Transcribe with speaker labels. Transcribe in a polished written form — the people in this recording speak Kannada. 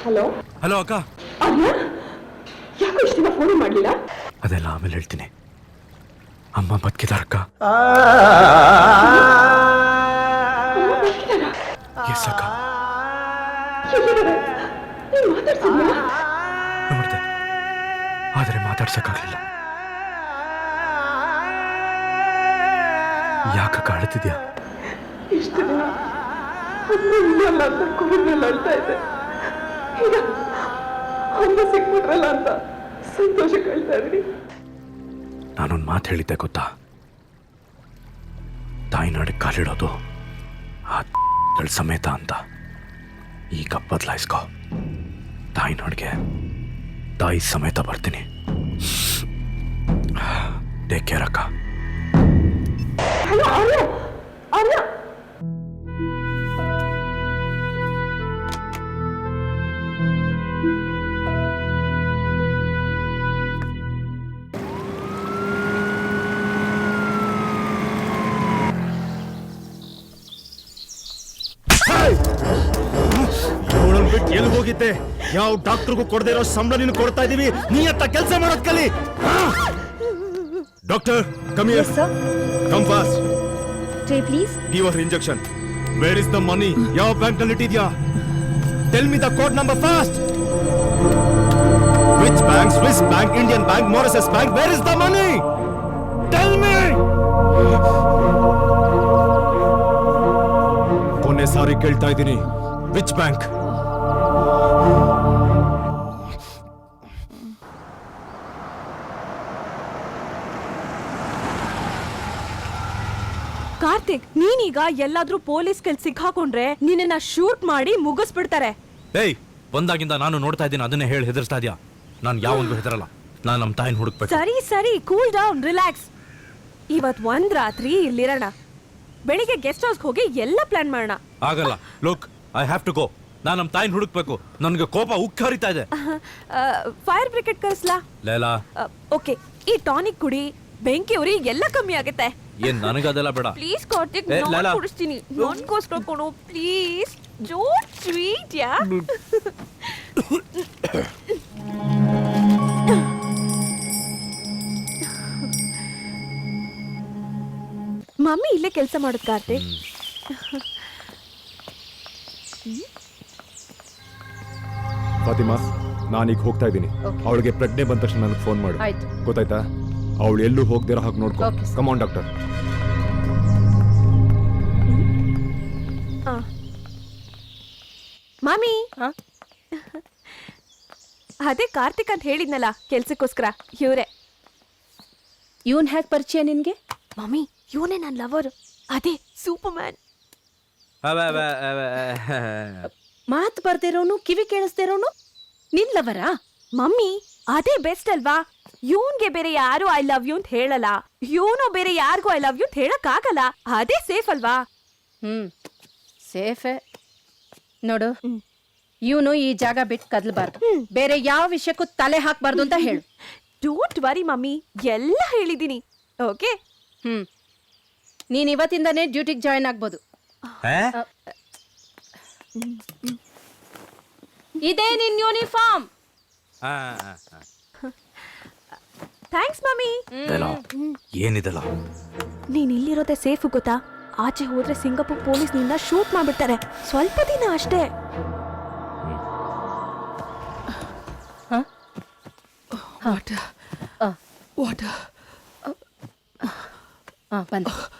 Speaker 1: ಹಲೋ
Speaker 2: ಹಲೋ ಅಕ್ಕ.
Speaker 1: ಯಾಕೆ ಇಷ್ಟು ದಿನ ಫೋನ್ ಮಾಡಲಿಲ್ಲ?
Speaker 2: ಅದೆಲ್ಲ ಆಮೇಲೆ ಹೇಳ್ತೀನಿ. ಅಮ್ಮ ಬದುಕಿದಾರಕ್ಕ. ಎಸ್ ಅಕ್ಕ. ನೋಡ್ದೆ, ಆದರೆ ಮಾತಾಡ್ಸಕ್ಕಾಗ್ಲಿಲ್ಲ. ಯಾಕಕ್ಕ ಅಳ್ತಿದ್ಯಾ?
Speaker 1: ಇಷ್ಟು ದಿನ ಅಮ್ಮ ಅಂತ ಕುಡಿದ್ರಲ್ಲಿ ಅಳ್ತಾ ಇದ್ದೆ. ಈಗ ಅಮ್ಮ ಸಿಕ್ಬಿಟ್ರಲ್ಲ ಅಂತ ಸಂತೋಷ ಕಳ್ತಾ ಇದ್ದೀನಿ.
Speaker 2: ನಾನೊಂದು ಮಾತು ಹೇಳಿದ್ದೆ ಗೊತ್ತಾ? ತಾಯಿನಾಡಿಗೆ ಕಾಲಿಡೋದು ಆ ಸಮೇತ ಅಂತ. ಈಗ ಬದಲಾಯಿಸ್ಕೋ. ತಾಯಿನಾಡಿಗೆ ತಾಯಿ ಸಮೇತ ಬರ್ತೀನಿ. ಟೇಕ್ ಕೇರ್ ಅಕ್ಕ.
Speaker 1: ಹಲೋ ಆರ್ಯ, ಆರ್ಯ
Speaker 3: ಬಿಟ್ಟು ಎಲ್ಲಿ ಹೋಗಿದ್ದೆ? ಯಾವ ಡಾಕ್ಟರ್ಗೂ ಕೊಡದೇ ಇರೋ ಸಂಬಳ ನೀನು ಕೊಡ್ತಾ ಇದೀವಿ. ನೀ ಅಂತ ಕೆಲಸ ಮಾಡೋದ್ ಕಲಿ. Doctor, come here. Come fast.
Speaker 4: Jay, please.
Speaker 3: Give her injection. Where is the money? ಯಾವ ಬ್ಯಾಂಕ್ ನಲ್ಲಿ ಇಟ್ಟಿದ್ಯಾ? Tell me the code number fast. Which bank? Swiss Bank, Indian Bank, Mauritius Bank. Where is the money? Tell me. ಕೊನೆ ಸಾರಿ ಕೇಳ್ತಾ ಇದ್ದೀನಿ. Which bank?
Speaker 4: ಕಾರ್ತಿಕ್, ನೀನೀಗ ಎಲ್ಲಾದ್ರೂ ಪೊಲೀಸ್ ಕೆಲ್ಸ ಸಿಕ್ಕಾಕೊಂಡ್ರೆ ನಿನ್ನ ಶೂಟ್ ಮಾಡಿ ಮುಗಿಸ್ಬಿಡ್ತಾರೆ.
Speaker 2: ಏಯ್, ಬಂದಾಗಿಂದ ನಾನು ನೋಡ್ತಾ ಇದ್ದೀನಿ, ಅದನ್ನೇ ಹೇಳಿ ಹೆದರ್ಸ್ತಾ ಇದೀಯಾ? ನಾನು ಯಾವೊಂದು ಹೆದರಲ್ಲ. ನಾನು ನಮ್ಮ ತಾಯಿನ ಹುಡುಕ್ಬೇಕು.
Speaker 4: ಸರಿ ಸರಿ, ಕೂಲ್ ಡೌನ್, ರಿಲ್ಯಾಕ್ಸ್. ಇವತ್ ಒಂದ್ ರಾತ್ರಿ ಇಲ್ಲಿರೋಣ. ಬೆಳಿಗ್ಗೆ ಗೆಸ್ಟ್ ಹೌಸ್ ಹೋಗಿ ಎಲ್ಲ ಪ್ಲಾನ್ ಮಾಡೋಣ.
Speaker 2: ಆಗಲ್ಲ. Look, I have to go. ನಾನು ನಮ್ಮ ತಾಯಿನ ಹುಡುಕ್ಬೇಕು. ನನಗೆ ಕೋಪ ಉಕ್ಕಿ ಹರಿತಾ ಇದೆ.
Speaker 4: ಫೈರ್ ಬ್ರಿಗೇಡ್ ಕರೆಸ್ಲಾ?
Speaker 2: ಲೇಲಾ,
Speaker 4: ಓಕೆ. ಈ ಟಾನಿಕ್ ಕುಡಿ, ಬೆಂಕಿ ಉರಿ, ಎಲ್ಲ ಕಮ್ಮಿ ಆಗುತ್ತೆ.
Speaker 2: ಏನ್ ನನಗದೆಲ್ಲ ಬೇಡ.
Speaker 4: ಪ್ಲೀಸ್ ಕಾರ್ತಿಕ್, ನಾನು ಕುಡಿಸ್ತೀನಿ. ನನಗೋಸ್ಕರ ಕೊಡು ಪ್ಲೀಸ್. ಡೋಂಟ್ ಸ್ವೀಟ್ ಯಾ. ಮಮ್ಮಿ ಇಲ್ಲೇ ಕೆಲಸ ಮಾಡೋದು ಕಾರ್ತಿಕ್.
Speaker 3: ಫಾತಿಮಾ, ನಾನೀಗ ಹೋಗ್ತಾ ಇದ್ದೀನಿ. ಅವಳಿಗೆ ಪ್ರಜ್ಞೆ ಬಂದ ತಕ್ಷಣ ನನಗೆ ಫೋನ್ ಮಾಡು. ಗೊತ್ತಾಯ್ತಾ? ಅವಳು ಎಲ್ಲೂ ಹೋಗ್ದಿರೋ ಹಾಗೆ ನೋಡ್ಕೊ. Come on doctor.
Speaker 4: ಮಾಮಿ, ಅದೇ ಕಾರ್ತಿಕ್ ಅಂತ ಹೇಳಿದ್ನಲ್ಲ ಕೆಲ್ಸಕ್ಕೋಸ್ಕರ, ಇವ್ರೆ.
Speaker 5: ಇವನ್ ಹೇಗೆ ಪರಿಚಯ ನಿನ್ಗೆ?
Speaker 4: ಮಮ್ಮಿ, ಇವನೇ ನನ್ನ ಲವರ್. ಅದೇ ಸೂಪರ್ ಮ್ಯಾನ್.
Speaker 5: ಮಾತು ಬರ್ದಿರೋನು, ಕಿವಿ ಕೇಳಿಸ್ದಿರೋನು ನಿನ್ ಲವರಾ?
Speaker 4: ಮಮ್ಮಿ, ಅದೇ ಬೆಸ್ಟ್ ಅಲ್ವಾ? ಇವನ್ಗೆ ಬೇರೆ ಯಾರು ಐ ಲವ್ ಯು ಅಂತ ಹೇಳಲ್ಲ, ಇವನು ಬೇರೆ ಯಾರಿಗೂ ಐ ಲವ್ ಯು ಅಂತ ಹೇಳಕ್ ಆಗಲ್ಲ. ಅದೇ ಸೇಫ್ ಅಲ್ವಾ?
Speaker 5: ಸೇಫೆ. ನೋಡು, ಇವನು ಈ ಜಾಗ ಬಿಟ್ಟು ಕದಲ್ಬಾರ್ದು. ಬೇರೆ ಯಾವ ವಿಷಯಕ್ಕೂ ತಲೆ ಹಾಕ್ಬಾರ್ದು ಅಂತ ಹೇಳು.
Speaker 4: ಡೋಂಟ್ ವರಿ ಮಮ್ಮಿ, ಎಲ್ಲ ಹೇಳಿದೀನಿ. ಓಕೆ.
Speaker 5: ನೀನ್ ಇವತ್ತಿಂದಾನೇ ಡ್ಯೂಟಿಗೆ ಜಾಯಿನ್ ಆಗ್ಬೋದು. ಇದೇ ನಿನ್ ಯೂನಿಫಾರ್ಮ್.
Speaker 4: Thanks mummy.
Speaker 2: ಏನಿದೆಲ್ಲ?
Speaker 4: ನೀನ್ ಇಲ್ಲಿರೋದೇ ಸೇಫ್ ಗೊತ್ತಾ? ಆಚೆ ಹೋದ್ರೆ ಸಿಂಗಾಪುರ್ ಪೊಲೀಸ್ ನಿನ್ನ ಶೂಟ್ ಮಾಡ್ಬಿಡ್ತಾರೆ. ಸ್ವಲ್ಪ ದಿನ ಅಷ್ಟೇ.
Speaker 5: ಬಂದೆ.